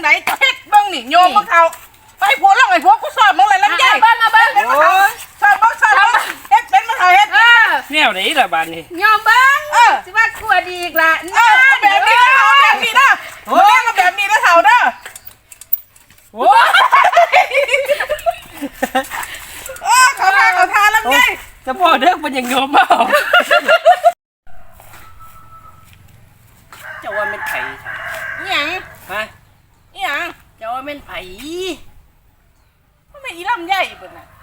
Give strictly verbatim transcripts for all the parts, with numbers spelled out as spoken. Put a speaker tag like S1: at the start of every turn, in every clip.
S1: ไหนจะเฮ็ดเบิ้งนี่โยมพวกเขาไปผัวลงไอ้ผัวกูสอบมึงเลยลำไย
S2: เบิ้งเอาเบิ้ง
S1: สอบบ้งสอบบ้งเฮ็ดเป็นมาเถอะเฮ็ด
S2: เออ
S3: แนวไหนล่ะบ้านนี้
S2: ยอมเบิ้งสิว่ากลัวดีอีกละ
S1: เออแบบนี้นะเอาแบบนี้นะมึงเล่นกับแบบนี้นะเถ่าเด้อ
S3: โอ้
S1: เออเขาทาเขาทาลำไย
S3: จะพ่อเด็กมันยังโยมเปล่าเจ้าว่าเป็นไผ่ค่ะ
S1: หยัง
S3: ฮะ
S1: หยัง
S3: เจ้าว่าเป็นไผ่
S1: มันเป็นอีลำไยเปิดน่ะ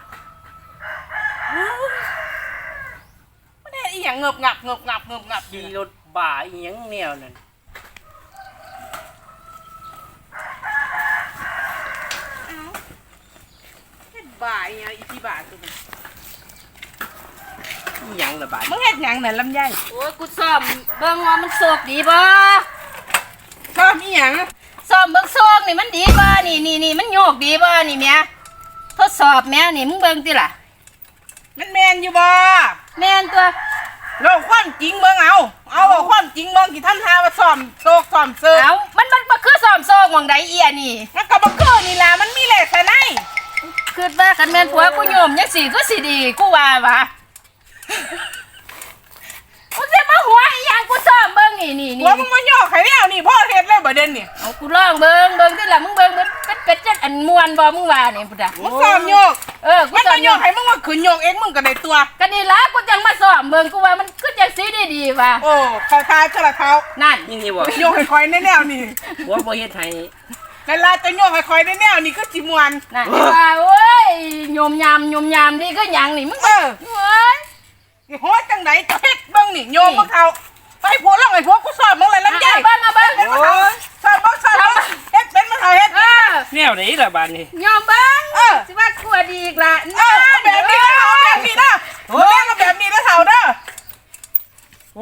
S1: มันเฮ็ดอีหยังเงบงับเงบงับเงบงับ
S3: ขี่รถบ่าอีหยังแนวนั่น
S1: เฮ็ดบ่ายอีที่บ่าตัวนี้
S3: อีหยังล่ะบ้าน
S1: มึงเฮ็ดหยังน่ะลำไย
S2: โอ้ยกูซ่อมเบิ้งว่ามันโศกดีบ่
S1: ชอบอีหยัง
S2: ซ่อมเบิ้งโศกนี่มันดีบ่นี่นี่นี่มันโยกดีบ่นี่แม่ทดสอบแม่นี่มึงเบิ้งติล่ะ
S1: มันแมนอยู่บ่
S2: แม่นตัว
S1: เราความจริงเบิ่งเอา เอาเอาความจริงเบิ่งที่ทำทาว่าซ่อมโซกซ่อมเซิร์ฟ
S2: เอามันมันบ่คือซ่อมโศกหม่องใดเอียนี่
S1: มันก็บ่เกินนี่ล่ะมันมีแหละแต่ไหน
S2: คิดว่าคันแม่นผัวกูโยมจังซี่ก็สิดีกูว่าว่ากูสิมาหัวอีหยังกูซ่อมเบิ่งนี่นี่นี่
S1: หัวมึงมาย่อไข่แล้วนี่พ่อเฮ็ดเลยบ่เด่นนี่
S2: เอากูลองเบิ่งเบิ่งติล่ะมึงเบิ่งเบิ่งเป็ดเป็ดจัดอันม่วนบ่มึงว่านี่พุ่นน่ะ
S1: มึงซ่อมโยก
S2: เออกู
S1: มัน
S2: ซ่อ
S1: มาม โย
S2: โย
S1: ก
S2: ก
S1: ให้มึงมาขึ้นโยกเองมึงก็ได้ตัว
S2: ก็นี่ล่ะกูจังมาซ่อมเบิ่งกูว่ามันคือจังสิดีๆว่ะ
S1: โอ้เขาทายเท่าละเขา
S2: นั่น
S3: นี่นี่บ่
S1: โยกให้คอยในแนวนี่
S3: หัวบ่เฮ็ดให้
S1: นั่นล่ะจะโยกให้คอยในแนวนี่คือสิม่วน
S2: นั่นว่าโอ้ยโยมยามโยมยามดีก็หยังนี่มึง
S1: เออ
S2: เว้ย
S1: สิโหจังไดจะเฮ็ดเบิ่งนี่โยมพวกเขาไปผัวลงไอ้ผัวกูสอบมึงเลยลำไย
S2: เอาเบิ้งเอาเบิ้ง
S1: เฮ็ดมาเถอะสอบบ้งสอบบ้งเฮ็ดเป็นมาเถอะเฮ็ด
S2: เออ
S3: แนวไหนล่ะบ้านนี้
S2: ยอมเบิ้ง
S1: เออ
S2: สิว่ากลัวดีอีกละ
S1: เออแบบนี้นะเอาแบบนี้นะมึงเล่นกับแบบนี้นะเถ่าเด้อ
S3: โอ้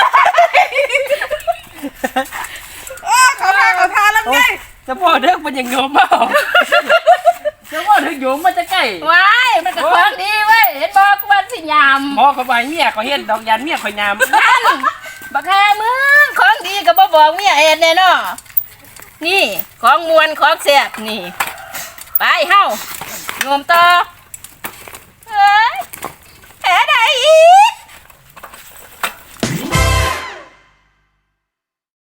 S1: เออเขาทาเขาทาลำไย
S3: จะพ่อเด็กมันยังโยมเปล่าจะพ่อเด็กโยมมันจะใกล้
S2: ว้ายมันก็ของดีเว้ยเห็นบอกกูว่าสิยาม
S3: หมอเขาไปเมียเขาเฮ็ดดอกยันเมียเขายาม
S2: นั่นบักแฮมึงของดีก็บ่บอกเมียเอ็ดแน่เนาะนี่ของมวนของแซ่บนี่ไปเฮาโยมต่อเฮ้ยแผลใดอีก